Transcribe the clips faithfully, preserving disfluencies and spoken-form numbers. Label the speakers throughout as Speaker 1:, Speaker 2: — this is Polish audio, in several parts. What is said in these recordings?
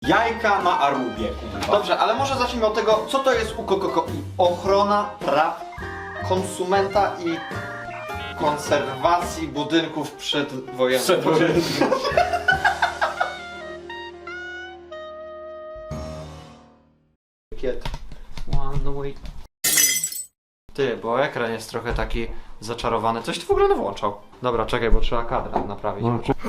Speaker 1: Jajka na Arubie, kurwa.
Speaker 2: Dobrze, ale może zacznijmy od tego, co to jest U K K I? Ochrona praw konsumenta i konserwacji budynków przedwojennych.
Speaker 1: Przedwojennych.
Speaker 2: Kiet. One way. Ty, bo ekran jest trochę taki zaczarowany. Coś ty w ogóle nie włączał. Dobra, czekaj, bo trzeba kadr naprawić.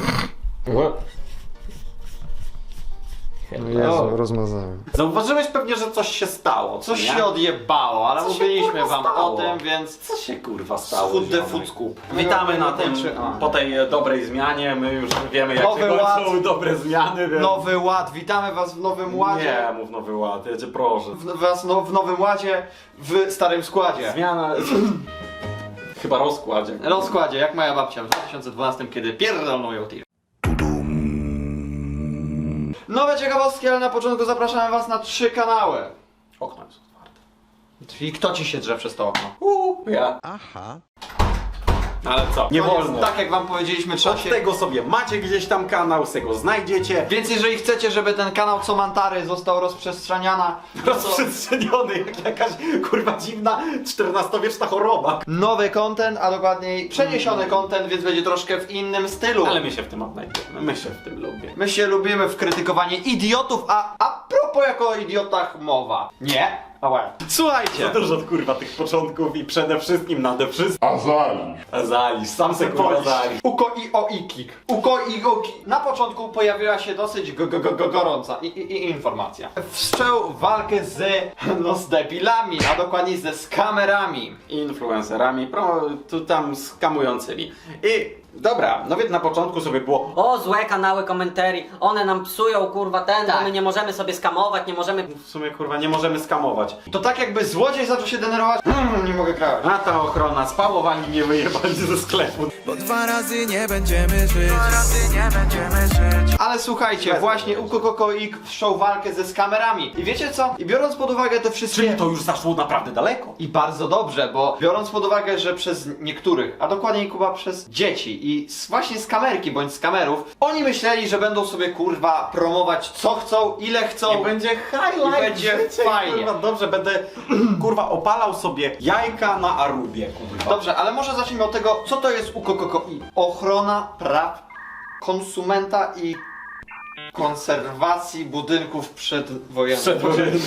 Speaker 3: No Jezu, rozmazałem.
Speaker 1: Zauważyłeś pewnie, że coś się stało.
Speaker 2: Coś
Speaker 1: nie?
Speaker 2: się odjebało, ale
Speaker 1: Co się,
Speaker 2: mówiliśmy
Speaker 1: kurwa,
Speaker 2: wam
Speaker 1: stało?
Speaker 2: o tym, więc...
Speaker 1: Co się kurwa stało?
Speaker 2: Food the
Speaker 1: ziomek?
Speaker 2: food scoop.
Speaker 1: Witamy na tym,
Speaker 2: Czy- a.
Speaker 1: po tej dobrej zmianie. My już wiemy, jak
Speaker 2: Nowy
Speaker 1: się kończą
Speaker 2: ład.
Speaker 1: dobre zmiany. Więc...
Speaker 2: Nowy ład, witamy was w Nowym Ładzie.
Speaker 1: Nie, mów nowy ład, ja cię proszę.
Speaker 2: W, was no, w Nowym Ładzie, w Starym Składzie.
Speaker 1: Zmiana... Chyba rozkładzie.
Speaker 2: Rozkładzie, jak moja babcia w dwa tysiące dwunastym, kiedy pierdolną ją tir. Nowe ciekawostki, ale na początku zapraszamy was na trzy kanały.
Speaker 1: Okno jest otwarte.
Speaker 2: Czyli kto ci się drze przez to okno?
Speaker 1: Uuu, ja.
Speaker 3: Aha.
Speaker 1: Ale co? Nie
Speaker 2: Koniec.
Speaker 1: wolno.
Speaker 2: Tak jak wam powiedzieliśmy, trzeba
Speaker 1: Od
Speaker 2: się...
Speaker 1: tego sobie macie gdzieś tam kanał, z tego znajdziecie.
Speaker 2: Więc jeżeli chcecie, żeby ten kanał Co Mantary został rozprzestrzeniana,
Speaker 1: Rozprzestrzeniony jak jakaś kurwa dziwna czternastowieczna choroba.
Speaker 2: nowy content, a dokładniej przeniesiony content, więc będzie troszkę w innym stylu.
Speaker 1: Ale my się w tym odnajdziemy, my się w tym lubimy.
Speaker 2: My się lubimy w krytykowanie idiotów, a a propos jako o idiotach mowa. Nie? A łe. Słuchajcie.
Speaker 1: Za dużo kurwa tych początków i przede wszystkim nade wszystkim
Speaker 3: Azali.
Speaker 1: Azalisz, sam se kurwa Azalisz.
Speaker 2: Uko i o ikik. Uko i o ki. Na początku pojawiła się dosyć go, go, go, go, gorąca i, i, i informacja. Wszczął walkę z, no, z debilami, a dokładniej ze skamerami.
Speaker 1: Influencerami, pro, tu tam skamującymi. I dobra, no więc na początku sobie było
Speaker 4: O, złe kanały komentarii, one nam psują kurwa ten,
Speaker 2: Tak.
Speaker 4: bo my nie możemy sobie skamować, nie możemy...
Speaker 1: w sumie kurwa nie możemy skamować.
Speaker 2: To tak jakby złodziej zaczął się denerwować. Hmm, nie mogę kraść.
Speaker 1: A ta ochrona, spałowani nie wyjebali ze sklepu.
Speaker 5: Bo dwa razy nie będziemy żyć. Dwa razy nie będziemy żyć.
Speaker 2: Ale słuchajcie, właśnie U K K I wszczął walkę ze skamerami. I wiecie co? I biorąc pod uwagę te wszystkie...
Speaker 1: Czyli to już zaszło naprawdę daleko.
Speaker 2: I bardzo dobrze, bo biorąc pod uwagę, że przez niektórych, a dokładniej Kuba przez dzieci i z, właśnie z kamerki bądź z kamerów, oni myśleli, że będą sobie kurwa promować co chcą, ile chcą.
Speaker 1: I będzie highlight,
Speaker 2: I będzie
Speaker 1: życie,
Speaker 2: fajnie.
Speaker 1: Kurwa, dobrze, będę kurwa opalał sobie jajka na Arubie, kurwa.
Speaker 2: Dobrze, ale może zacznijmy od tego, co to jest U K K I? Ochrona praw konsumenta i konserwacji budynków przedwojennych.
Speaker 1: Przedwojennych.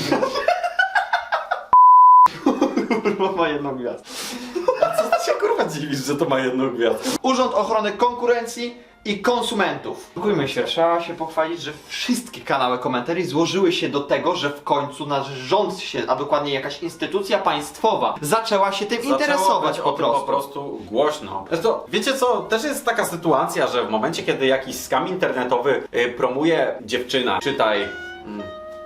Speaker 2: Kurwa ma jedną gwiazdę.
Speaker 1: A co ty się kurwa dziwisz, że to ma jedną gwiazdkę?
Speaker 2: Urząd Ochrony Konkurencji i Konsumentów. Dziękujmy się, trzeba się pochwalić, że wszystkie kanały komentarzy złożyły się do tego, że w końcu nasz rząd się, a dokładnie jakaś instytucja państwowa zaczęła się tym
Speaker 1: Zaczęło
Speaker 2: interesować
Speaker 1: być
Speaker 2: po
Speaker 1: o tym
Speaker 2: prostu.
Speaker 1: po prostu głośno. Zresztą, wiecie co, też jest taka sytuacja, że w momencie, kiedy jakiś skam internetowy y, promuje dziewczyna, czytaj... Mm,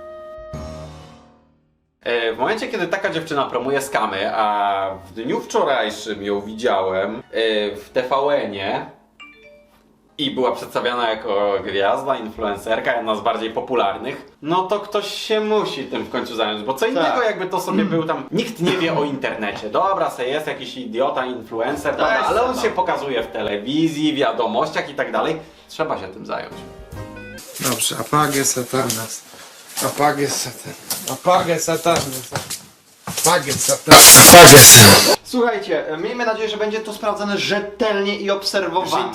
Speaker 1: y, w momencie, kiedy taka dziewczyna promuje skamy, a w dniu wczorajszym ją widziałem y, w T V N-ie i była przedstawiana jako gwiazda, influencerka, jedna z bardziej popularnych, no to ktoś się musi tym w końcu zająć, bo co innego jakby to sobie był tam, nikt nie wie o internecie, dobra, se jest jakiś idiota, influencer, dobra,
Speaker 2: jest
Speaker 1: ale on
Speaker 2: no.
Speaker 1: się pokazuje w telewizji, wiadomościach i tak dalej, trzeba się tym zająć.
Speaker 5: Dobrze, apagę satanas. Apagę satan. Apagę satanas. Apagę satanas. Apagę satanas.
Speaker 2: Słuchajcie, miejmy nadzieję, że będzie to sprawdzone rzetelnie i obserwowane.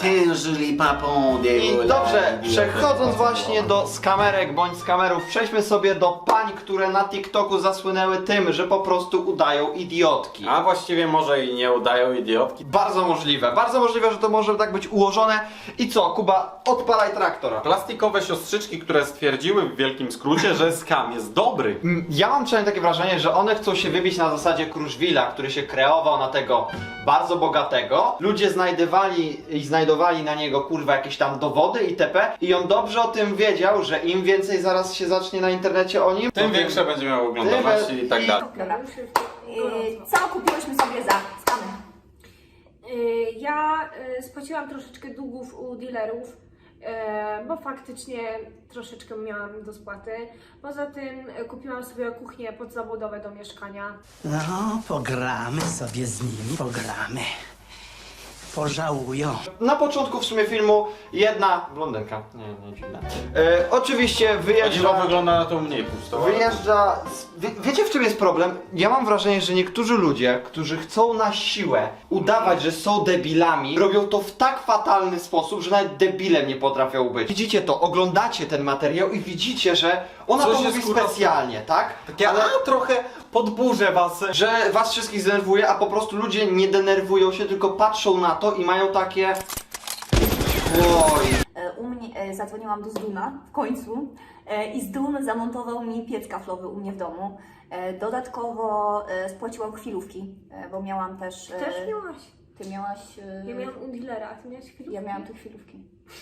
Speaker 2: I dobrze, przechodząc właśnie do skamerek bądź skamerów, przejdźmy sobie do pań, które na TikToku zasłynęły tym, że po prostu udają idiotki.
Speaker 1: A właściwie może i nie udają idiotki.
Speaker 2: Bardzo możliwe, bardzo możliwe, że to może tak być ułożone. I co, Kuba, odpalaj traktora.
Speaker 1: Plastikowe siostrzyczki, które stwierdziły w wielkim skrócie, że skam jest dobry.
Speaker 2: Mm, Ja mam przynajmniej takie wrażenie, że one chcą się wybić na zasadzie Kruszwila, który się kreował na tego bardzo bogatego. Ludzie znajdowali i znajdowali na niego kurwa jakieś tam dowody itp. I on dobrze o tym wiedział, że im więcej zaraz się zacznie na internecie o nim,
Speaker 1: Tym
Speaker 2: to
Speaker 1: większe będzie miał oglądalność i tak dalej.
Speaker 6: Dobra, yy, co kupiłyśmy sobie za skamy?
Speaker 7: Y, Ja y, spłaciłam troszeczkę długów u dealerów, y, bo faktycznie troszeczkę miałam do spłaty. Poza tym y, kupiłam sobie kuchnię podzawodowe do mieszkania.
Speaker 8: No, pogramy sobie z nimi, pogramy.
Speaker 5: pożałują.
Speaker 2: Na początku w sumie filmu jedna blondynka, nie, nie dziwne. E, oczywiście wyjeżdża...
Speaker 1: Dziwo wygląda na to mniej pusto.
Speaker 2: Wyjeżdża... Z... Wie, wiecie w czym jest problem? Ja mam wrażenie, że niektórzy ludzie, którzy chcą na siłę udawać, że są debilami, robią to w tak fatalny sposób, że nawet debilem nie potrafią być. Widzicie to, oglądacie ten materiał i widzicie, że ona
Speaker 1: Coś
Speaker 2: to
Speaker 1: jest,
Speaker 2: mówi
Speaker 1: kurwa,
Speaker 2: specjalnie, tak?
Speaker 1: Takie, ale trochę podburzę was.
Speaker 2: Że was wszystkich zdenerwuje, a po prostu ludzie nie denerwują się, tylko patrzą na to i mają takie... Oj.
Speaker 6: E, U mnie e, zadzwoniłam do Zduna w końcu e, i Zdun zamontował mi piec kaflowy u mnie w domu. E, Dodatkowo e, spłaciłam chwilówki, e, bo miałam też... e,
Speaker 7: Też miałaś.
Speaker 6: Ty miałaś... e,
Speaker 7: Ja miałam u dealera, a ty miałaś chwilę?
Speaker 6: Ja miałam te chwilówki.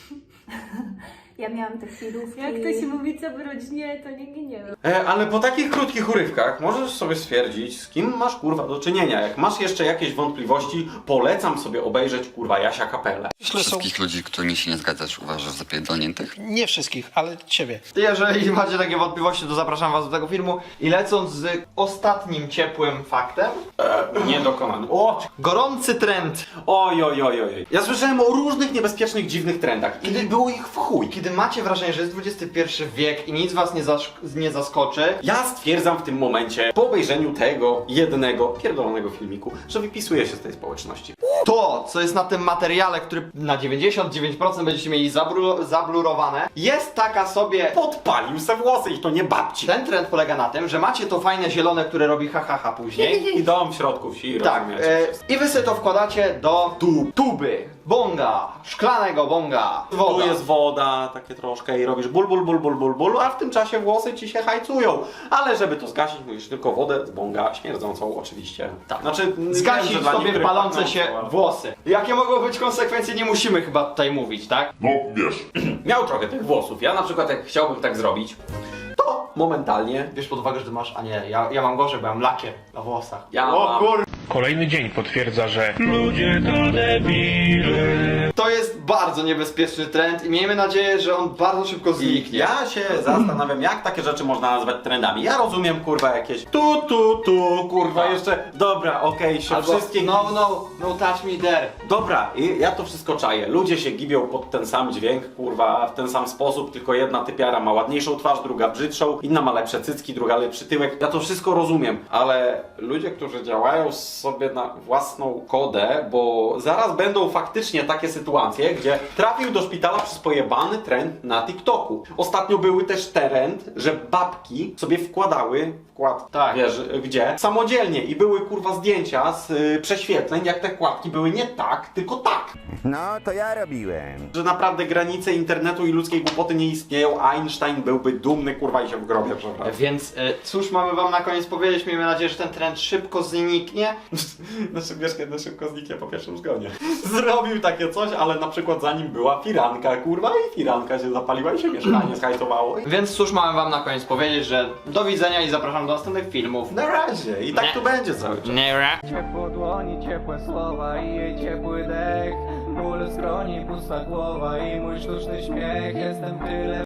Speaker 6: Ja miałam te chwilówki.
Speaker 7: Jak to się mówi, co w rodzinie, to nie ginie.
Speaker 1: E, ale po takich krótkich urywkach możesz sobie stwierdzić, z kim masz kurwa do czynienia. Jak masz jeszcze jakieś wątpliwości, polecam sobie obejrzeć kurwa Jasia Kapelę.
Speaker 3: Myślę, wszystkich ludzi, którymi się nie zgadzasz, uważasz za pierdolniętych?
Speaker 5: Nie wszystkich, ale ciebie.
Speaker 2: Jeżeli macie takie wątpliwości, to zapraszam was do tego filmu. I lecąc z ostatnim ciepłym faktem.
Speaker 1: Niedokonany. O!
Speaker 2: Gorący trend.
Speaker 1: Oj, oj, oj, oj. Ja słyszałem o różnych niebezpiecznych, dziwnych trendach. I było ich w chuj.
Speaker 2: Kiedy macie wrażenie, że jest dwudziesty pierwszy wiek i nic was nie, zasz- nie zaskoczy,
Speaker 1: Ja stwierdzam w tym momencie, po obejrzeniu tego jednego pierdolonego filmiku, że wypisuję się z tej społeczności.
Speaker 2: to, co jest na tym materiale, który na dziewięćdziesiąt dziewięć procent będziecie mieli zabru- zablurowane, jest taka sobie...
Speaker 1: Podpalił se włosy i to nie babci.
Speaker 2: Ten trend polega na tym, że macie to fajne zielone, które robi ha ha ha później.
Speaker 1: I dom w środku wsi,
Speaker 2: Tak,
Speaker 1: rozumiecie?
Speaker 2: e, i wy sobie to wkładacie do tu, tuby, bonga, szklanego bonga,
Speaker 1: Tu
Speaker 2: woda.
Speaker 1: jest woda, takie troszkę i robisz ból, ból, ból, ból, ból, ból, a w tym czasie włosy ci się hajcują. Ale żeby to zgasić, musisz tylko wodę z bonga, śmierdzącą oczywiście. Tak. Znaczy, wiem, że
Speaker 2: Zgasić
Speaker 1: dla
Speaker 2: sobie
Speaker 1: niektórych
Speaker 2: palące
Speaker 1: pachnącą,
Speaker 2: się
Speaker 1: ale-
Speaker 2: włosy. Jakie mogą być konsekwencje, nie musimy chyba tutaj mówić, tak?
Speaker 1: Miał trochę tych włosów. Ja na przykład jak chciałbym tak zrobić, to momentalnie
Speaker 2: Bierz pod uwagę, że ty masz, a nie, ja, ja mam gorzej, bo ja mam lakier na włosach.
Speaker 1: Ja
Speaker 2: o
Speaker 1: mam-
Speaker 2: kur...
Speaker 8: Kolejny dzień potwierdza, że ludzie to debile.
Speaker 2: To jest bardzo niebezpieczny trend i miejmy nadzieję, że on bardzo szybko
Speaker 1: I
Speaker 2: zniknie.
Speaker 1: ja się zastanawiam, jak takie rzeczy można nazwać trendami. Ja rozumiem, kurwa, jakieś tu, tu, tu, kurwa, jeszcze, dobra, okej, się
Speaker 2: Albo
Speaker 1: wszystkie...
Speaker 2: no, no, no touch me there.
Speaker 1: Dobra, i ja to wszystko czaję. Ludzie się gibią pod ten sam dźwięk, kurwa, w ten sam sposób, tylko jedna typiara ma ładniejszą twarz, druga brzydszą, inna ma lepsze cycki, druga lepszy tyłek. Ja to wszystko rozumiem, ale ludzie, którzy działają sobie na własną kodę, bo zaraz będą faktycznie takie sytuacje, gdzie trafił do szpitala przez pojebany trend na TikToku. Ostatnio były też trend, że babki sobie wkładały wkład,
Speaker 2: Tak.
Speaker 1: wiesz, gdzie? Samodzielnie i były kurwa zdjęcia z y, prześwietleń, jak te kładki były nie tak, tylko tak.
Speaker 9: No, to ja robiłem.
Speaker 1: Że naprawdę granice internetu i ludzkiej głupoty nie istnieją, Einstein byłby dumny kurwa i się w grobie przewraca.
Speaker 2: Więc e, cóż mamy wam na koniec powiedzieć? Miejmy nadzieję, że ten trend szybko zniknie.
Speaker 1: Znaczy wiesz, kiedy szybko zniknie po pierwszym zgonie. Zrobił takie coś, ale na przykład za nim była firanka, kurwa, i firanka się zapaliła i się mieszkanie zhajcowało. I...
Speaker 2: Więc cóż mamy wam na koniec powiedzieć, że do widzenia i zapraszam do następnych filmów.
Speaker 1: Na razie. I tak
Speaker 2: Nie.
Speaker 1: tu będzie cały czas.
Speaker 5: Ciepło dłoni, ciepłe słowa i jej ciepły dech. Ból w skroni, pusta głowa i mój sztuczny śmiech. Jestem tyle